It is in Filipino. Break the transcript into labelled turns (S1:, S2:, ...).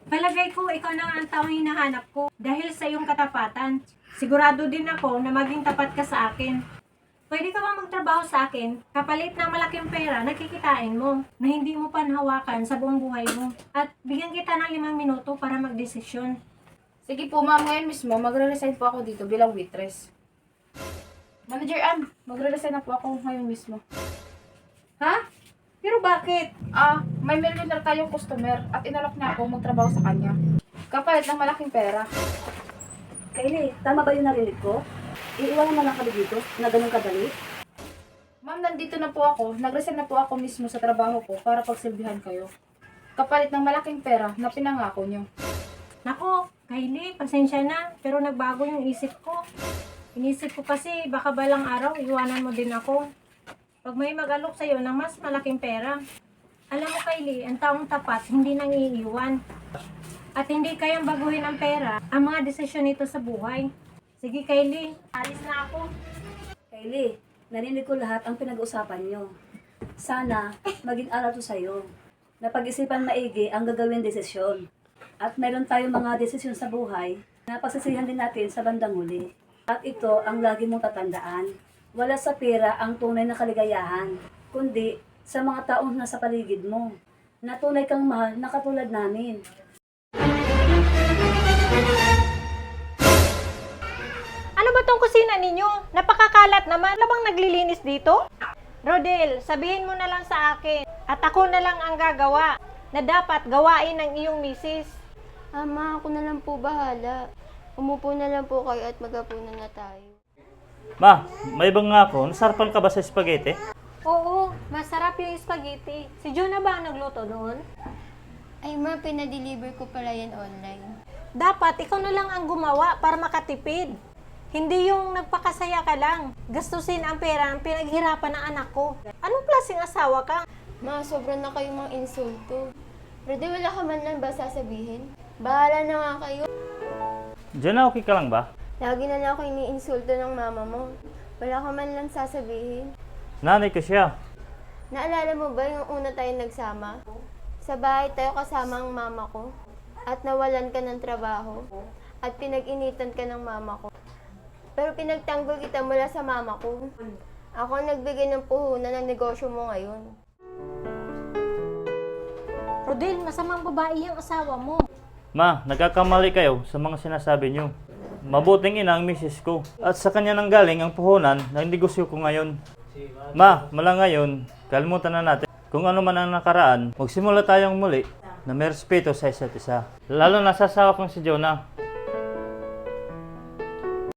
S1: Palagay ko, ikaw na nga ang taong hinahanap ko dahil sa iyong katapatan. Sigurado din ako na maging tapat ka sa akin. Pwede ka bang magtrabaho sa akin, kapalit ng malaking pera na kikitain mo, na hindi mo panhawakan sa buong buhay mo, at bigyan kita ng 5 minuto para magdesisyon.
S2: Sige po ma'am, ngayon mismo magre-resign po ako dito bilang waitress. Manager Ann, magre-resign na po ako ngayon mismo.
S1: Ha? Pero bakit?
S2: May millionaire tayong customer at inalok niya ako magtrabaho sa kanya. Kapalit ng malaking pera.
S3: Kylie, tama ba yung narinig ko? Iiwanan na lang kami dito na ganun kadali?
S2: Ma'am, nandito na po ako. Nag-resign na po ako mismo sa trabaho ko para pagsilbihan kayo. Kapalit ng malaking pera na pinangako niyo.
S1: Nako, Kylie, pasensya na, pero nagbago yung isip ko. Inisip ko kasi baka balang araw iwanan mo din ako. Pag may mag-alok sa'yo ng mas malaking pera. Alam mo, Kylie, ang taong tapat hindi nang iiwan. At hindi kayang baguhin ang pera ang mga desisyon nito sa buhay. Sige, Kylie, alis na ako.
S3: Kylie, narinig ko lahat ang pinag-uusapan nyo. Sana maging aral to sa'yo. Napag-isipan maigi ang gagawin desisyon. At meron tayong mga desisyon sa buhay na pasisihan din natin sa bandang huli. At ito ang lagi mong tatandaan. Wala sa pera ang tunay na kaligayahan, kundi sa mga taong nasa paligid mo, na tunay kang mahal na katulad namin.
S1: Ano ba tong kusina ninyo? Napakakalat naman. Wala bang naglilinis dito? Rodel, sabihin mo na lang sa akin. At ako na lang ang gagawa na dapat gawain ng iyong misis.
S4: Ama, ako na lang po bahala. Umupo na lang po kayo at magapunan na tayo.
S5: Ma, may bang nga ako? Nasarapan ka ba sa spaghetti?
S1: Oo, masarap yung spaghetti. Si Jonah ba ang nagluto noon?
S4: Ay ma, pinadeliver ko pala yan online.
S1: Dapat ikaw na lang ang gumawa para makatipid. Hindi yung nagpakasaya ka lang. Gastusin ang pera ng pinaghirapan ng anak ko. Anong klaseng asawa ka?
S4: Ma, sobra na kayong mga insulto. Pero wala ka man lang ba sasabihin? Bahala na nga kayo.
S5: Diyan okay ka lang ba?
S4: Lagi na lang ako iniinsulto ng mama mo. Wala ka man lang sasabihin.
S5: Nanay ko siya.
S4: Naalala mo ba yung una tayo nagsama? Sa bahay tayo kasama ang mama ko. At nawalan ka ng trabaho. At pinag-initan ka ng mama ko. Pero pinagtanggol kita mula sa mama ko. Ako ang nagbigay ng puhunan ng negosyo mo ngayon.
S1: Rodel, masamang babae yung asawa mo.
S5: Ma, nagkakamali kayo sa mga sinasabi niyo. Mabuting ina ang misis ko. At sa kanya nang galing ang puhunan ng negosyo ko ngayon. Ma, mula ngayon, kalimutan na natin. Kung ano man ang nakaraan, magsimula tayong muli na may respeto sa isa't isa. Lalo na sa asawa kong si Jonah.